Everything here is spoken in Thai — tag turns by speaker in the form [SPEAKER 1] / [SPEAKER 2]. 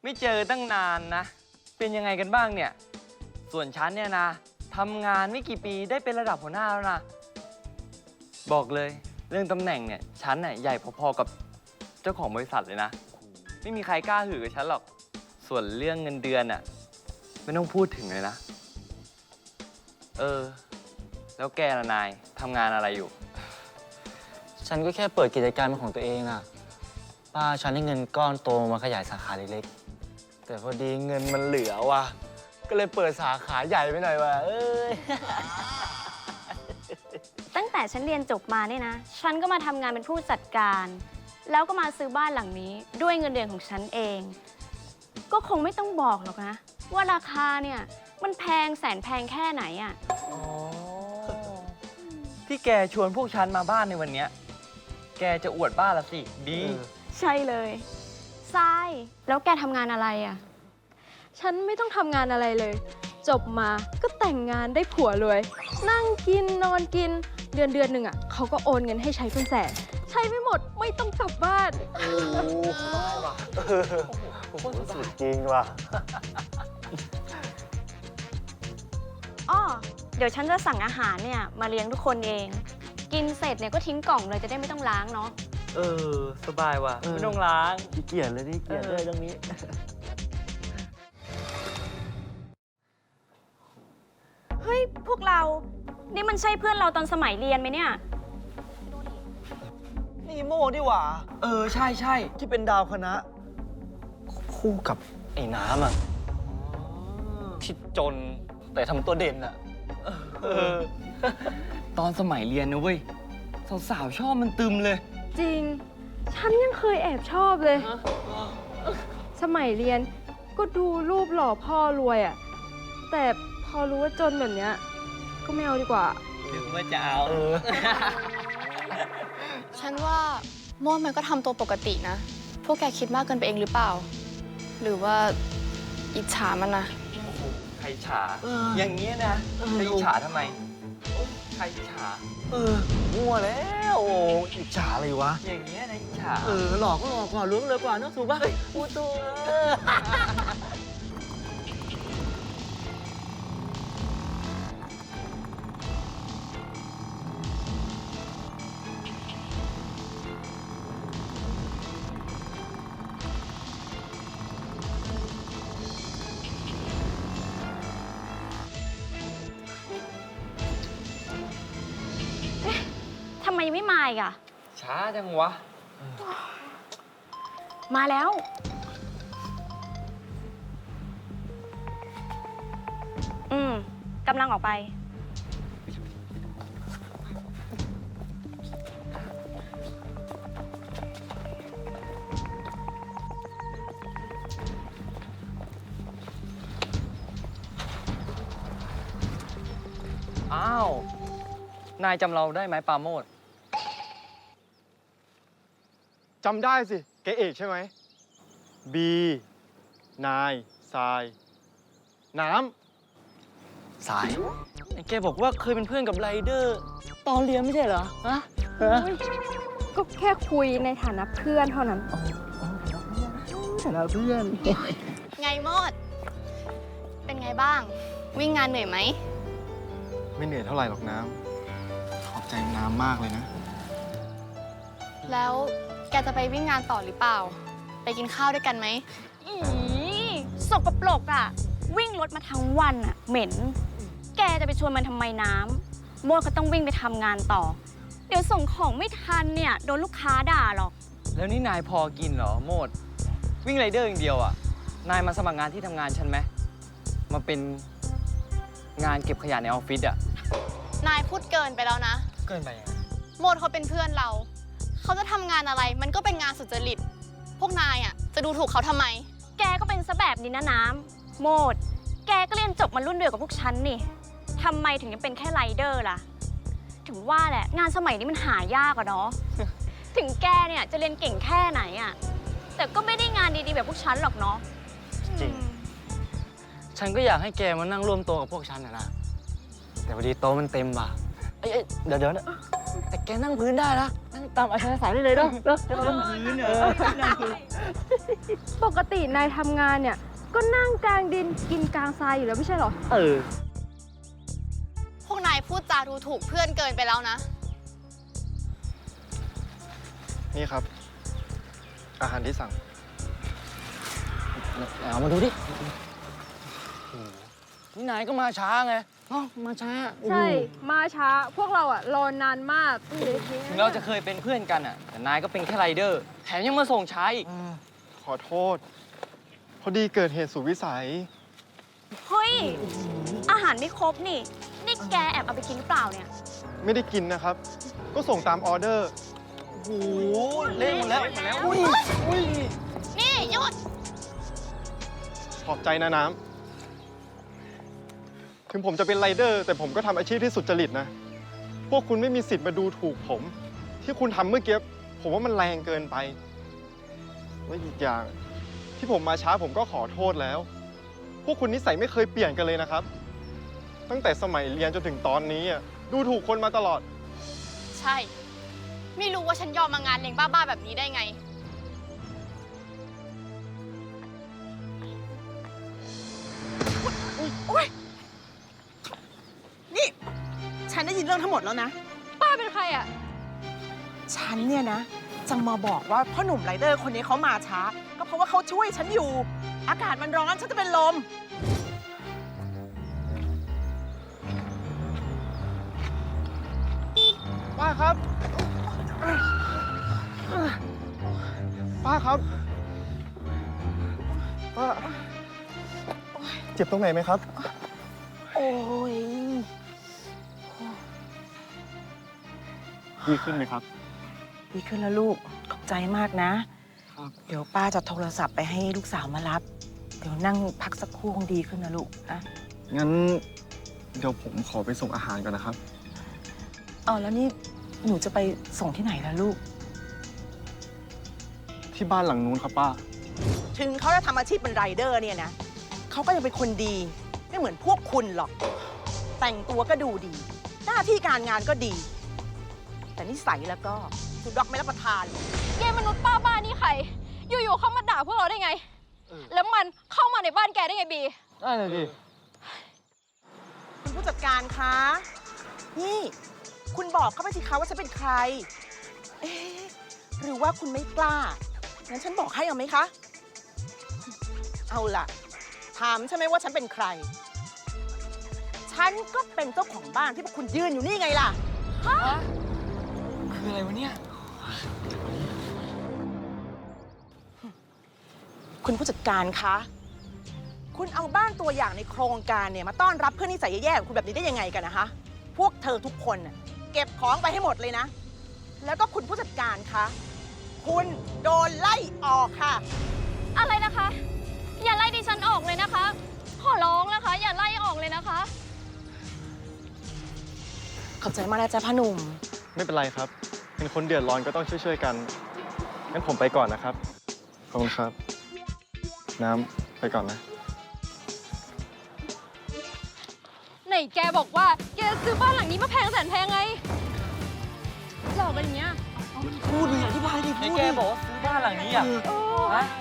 [SPEAKER 1] ไม่เจอตั้งนานนะ เป็นยังไงกันบ้างเนี่ย ส่วนฉันเนี่ยนะทำงานไม่กี่ปีได้เป็นระดับหัวหน้าแล้วนะ บอกเลยเรื่องตำแหน่งเนี่ยฉันน่ะใหญ่พอๆกับเจ้าของบริษัทเลยนะ ไม่มีใครกล้าหือกับฉันหรอก ส่วนเรื่องเงินเดือนน่ะไม่ต้องพูดถึงเลยนะ แล้วแกล่ะนายทำงานอะไรอยู่
[SPEAKER 2] ฉันก็แค่เปิดกิจการเป็นของตัวเองอะป้าฉันให้เงินก้อนโตมาขยายสาขาเล็กๆ แต่พอดีเงินมันเหลือว่ะ ก็เลยเปิดสาขาใหญ่ไปหน่อยว่ะ
[SPEAKER 3] ตั้งแต่ฉันเรียนจบมาเนี่ยนะ ฉันก็มาทำงานเป็นผู้จัดการ แล้วก็มาซื้อบ้านหลังนี้ด้วยเงินเดือนของฉันเอง ก็คงไม่ต้องบอกหรอกนะ ว่าราคาเนี่ยมันแพงแสนแพงแค่ไหนอะ
[SPEAKER 1] ที่แกชวนพวกฉันมาบ้านในวันเนี้ยแกจะอวดบ้านละสิ ดี
[SPEAKER 3] ใช่เลยทรายแล้วแกทำงานอะไรอะ
[SPEAKER 4] ฉันไม่ต้องทำงานอะไรเลย จบมาก็แต่งงานได้ผัวรวย นั่งกินนอนกินเดือนหนึ่งอ่ะเขาก็โอนเงินให้ใช้เป็นแสน ใช้ไม่หมดไม่ต้องกลับบ้าน
[SPEAKER 2] โอ้ได้ว่ะสุดจริงว่ะ
[SPEAKER 3] อ้อเดี๋ยวฉันจะสั่งอาหารเนี่ยมาเลี้ยงทุกคนเอง กินเสร็จเนี่ยก็ทิ้งกล่องเลยจะได้ไม่ต้องล้างเนาะ
[SPEAKER 1] สบายว่ะ ไม่ต้องล้าง
[SPEAKER 2] ขี้เกียจเลยนี่เกียจด้วยตรงนี้
[SPEAKER 3] เฮ้ยพวกเรา นี่มันใช่เพื่อนเราตอนสมัยเรียนไหมเนี่ย
[SPEAKER 2] นี่โม่ดิหว่า
[SPEAKER 1] ใช่ใช่
[SPEAKER 2] ที่เป็นดาวคณะ คู่กับไอ้น้ำอ่ะที่จนแต่ทำตัวเด่นอ่ะ
[SPEAKER 1] ตอนสมัยเรียนนะเว้ย สาวๆชอบมันตึมเลย
[SPEAKER 4] จริง ฉันยังเคยแอบชอบเลย สมัยเรียนก็ดูรูปหล่อพ่อรวยอ่ะ แต่พอรู้ว่าจนแบบเนี้ยก็ไม่เอาดีกว่า
[SPEAKER 1] ถึงว่าจะเอา
[SPEAKER 5] ฉันว่าโม่มันก็ทำตัวปกตินะ พวกแกคิดมากเกินไปเองหรือเปล่า หรือว่าอิจฉามันนะ
[SPEAKER 1] ใครฉา อย่างเงี้ยนะใครฉาทำไม ใครฉา
[SPEAKER 2] มั่วแล้วโอ้อิจฉาเลยวะ
[SPEAKER 1] อย่างเงี้ยนะฉา
[SPEAKER 2] หลอกก็หลอกกว่าล้วงเลยกว่าเนอะถูกป่ะอูตัว
[SPEAKER 3] ทำไมยังไม่มาอีกอะ
[SPEAKER 1] ช้าจังวะ
[SPEAKER 3] มาแล้ว กำลังออกไป
[SPEAKER 1] อ้าว นายจำเราได้ไหมปราโมทย์
[SPEAKER 6] จำได้สิ แกเอกใช่ไหม บี นาย ทราย น้
[SPEAKER 2] สายไอ้แกบอกว่าเคยเป็นเพื่อนกับไรเดอร์ ตอนเรียนไม่ใช่เหรอ ฮะ
[SPEAKER 4] ก็แค่คุยในฐานะเพื่อนเท่านั้น
[SPEAKER 2] ฐานะเพื่อน
[SPEAKER 5] ไงโมด เป็นไงบ้าง วิ่งงานเหนื่อยไหม
[SPEAKER 6] ำไม่เหนื่อยเท่าไหร่หรอกน้ำ ขอบใจน้ำมากเลยนะ
[SPEAKER 5] แล้วแกจะไปวิ่งงานต่อหรือเปล่า ไปกินข้าวด้วยกันไหม
[SPEAKER 3] อีสกปรกอะวิ่งรถมาทั้งวันอะเหม็น แกจะไปชวนมันทำไมน้ำโมดก็ต้องวิ่งไปทำงานต่อ เดี๋ยวส่งของไม่ทันเนี่ยโดนลูกค้าด่าหรอก
[SPEAKER 1] แล้วนี่นายพอกินเหรอโมด วิ่งไรเดอร์อย่างเดียวอ่ะ นายมาสมัครงานที่ทำงานฉันไหม มาเป็นงานเก็บขยะในออฟฟิศอ่ะ
[SPEAKER 5] นายพูดเกินไปแล้วนะ
[SPEAKER 2] เกินไปยังไง
[SPEAKER 5] โมดเขาเป็นเพื่อนเรา เขาจะทำงานอะไร มันก็เป็นงานสุจริต พวกนายอ่ะจะดูถูกเขาทำไม
[SPEAKER 3] แกก็เป็นซะแบบนี้นะน้ำโมด แกก็เรียนจบมารุ่นเดียวกับพวกฉันนี่ทำไมถึงยังเป็นแค่ไรเดอร์ล่ะ ถึงว่าแหละงานสมัยนี้มันหายากอะเนาะ ถึงแกเนี่ยจะเรียนเก่งแค่ไหนอะแต่ก็ไม่ได้งานดีๆแบบพวกฉันหรอกเนาะ
[SPEAKER 2] จริง ฉันก็อยากให้แกมานั่งร่วมโต๊ะกับพวกฉันนะ แต่พอดีโต๊ะมันเต็มว่ะเอ้ยเดี๋ยวนะแต่แกนั่งพื้นได้ละนั่งตามอัธยาศัยได้เลยเนาะนั่งพื้น
[SPEAKER 4] ปกตินายทำงานเนี่ย ก็นั่งกลางดินกินกลางทรายอยู่แล้วไม่ใช่เหรอ
[SPEAKER 5] พวกนายพูดจาดูถูกเพื่อนเกินไปแล้วนะ
[SPEAKER 6] นี่ครับ อาหารที่สั่ง
[SPEAKER 2] เอามาดูดินี่นายก็มาช้าไงมาช้า
[SPEAKER 4] ใช่ มาช้า พวกเราอะรอนานมากต้องเละเทะ
[SPEAKER 1] ถึงเราจะเคยเป็นเพื่อนกันอะแต่นายก็เป็นแค่ไรเดอร์ แถมยังมาส่งช้าอีก
[SPEAKER 6] ขอโทษ พอดีเกิดเหตุสุดวิสัย
[SPEAKER 3] เฮ้ย อาหารไม่ครบนี่ นี่แกแอบเอาไปกินหรือเปล่าเนี่ย
[SPEAKER 6] ไม่ได้กินนะครับ ก็ส่งตามออเดอร์
[SPEAKER 2] โอ้โหเละหมดแล้วอุ้ย
[SPEAKER 5] นี่หยุด
[SPEAKER 6] ขอบใจนะน้ำ ถึงผมจะเป็นไรเดอร์ แต่ผมก็ทำอาชีพที่สุจริตนะ พวกคุณไม่มีสิทธิ์มาดูถูกผม ที่คุณทำเมื่อกี้ผมว่ามันแรงเกินไปและอีกอย่าง ที่ผมมาช้าผมก็ขอโทษแล้ว พวกคุณนิสัยไม่เคยเปลี่ยนกันเลยนะครับ ตั้งแต่สมัยเรียนจนถึงตอนนี้อะดูถูกคนมาตลอด
[SPEAKER 5] ใช่ ไม่รู้ว่าฉันยอมมางานเลี้ยงบ้าๆแบบนี้ได้ไง
[SPEAKER 7] นี่ ฉันได้ยินเรื่องทั้งหมดแล้วนะ
[SPEAKER 4] ป้าเป็นใครอะ
[SPEAKER 7] ฉันเนี่ยนะจะมาบอกว่าพ่อหนุ่มไรเดอร์คนนี้เขามาช้า ก็เพราะว่าเขาช่วยฉันอยู่ อากาศมันร้อนฉันจะเป็นลม
[SPEAKER 6] ป้าครับ ป้าครับ ป้า เจ็บตรงไหนไหมครับ
[SPEAKER 7] โอ้ย
[SPEAKER 6] ดีขึ้นไหมครับ
[SPEAKER 7] ดีขึ้นแล้วลูก ขอบใจมากนะ
[SPEAKER 6] ครับ
[SPEAKER 7] เดี๋ยวป้าจะโทรศัพท์ไปให้ลูกสาวมารับ เดี๋ยวนั่งพักสักครู่คงดีขึ้นนะลูกนะ
[SPEAKER 6] งั้น เดี๋ยวผมขอไปส่งอาหารก่อนนะครับ
[SPEAKER 7] แล้วนี่หนูจะไปส่งที่ไหนล่ะลูก
[SPEAKER 6] ที่บ้านหลังนู้นครับป้า
[SPEAKER 7] ถึงเขาจะทำอาชีพเป็นไรเดอร์เนี่ยนะ เขาก็ยังเป็นคนดี ไม่เหมือนพวกคุณหรอก แต่งตัวก็ดูดี หน้าที่การงานก็ดี แต่นิสัยแล้วก็สุดดอกไม่รับประทาน
[SPEAKER 4] เยมนุษย์ป้าบ้านี่ใคร อยู่ๆเข้ามาด่าพวกเราได้ไง แล้วมันเข้ามาในบ้านแกได้ไงบี
[SPEAKER 2] ได้เลยดิ
[SPEAKER 7] คุณผู้จัดการคะ นี่ คุณบอกเขาไปสิคะว่าฉันเป็นใคร เอ๊ะหรือว่าคุณไม่กล้า งั้นฉันบอกให้เอาไหมคะ เอาล่ะ ถามใช่ไหมว่าฉันเป็นใคร ฉันก็เป็นเจ้าของบ้านที่พวกคุณยืนอยู่นี่ไงล่ะ
[SPEAKER 2] คืออะไรวะเนี่ย
[SPEAKER 7] คุณผู้จัดการคะ คุณเอาบ้านตัวอย่างในโครงการเนี่ยมาต้อนรับเพื่อนนิสัยแย่ๆของคุณแบบนี้ได้ยังไงกันนะคะ พวกเธอทุกคนน่ะเก็บของไปให้หมดเลยนะ แล้วก็คุณผู้จัดการคะ คุณโดนไล่ออกค่ะ
[SPEAKER 3] อะไรนะคะ อย่าไล่ดิฉันออกเลยนะคะ ขอร้องนะคะ อย่าไล่ออกเลยนะคะ
[SPEAKER 7] ขอบใจมากนะจ๊ะพ่อหนุ่ม
[SPEAKER 6] ไม่เป็นไรครับ เป็นคนเดือดร้อนก็ต้องช่วยๆกัน งั้นผมไปก่อนนะครับ ขอบคุณครับ น้ำไปก่อนนะ
[SPEAKER 4] ไหนแกบอกว่าแกซื้อบ้านหลังนี้มาแพงแสนแพงไง หลอกกันอย่างเงี้ย
[SPEAKER 2] พูดเลยอธิบายดิ
[SPEAKER 1] ใน
[SPEAKER 2] พูด
[SPEAKER 1] แก
[SPEAKER 2] ดิ
[SPEAKER 1] บอกว่าซื้อบ้านหลังนี้อ่ะ ฮะ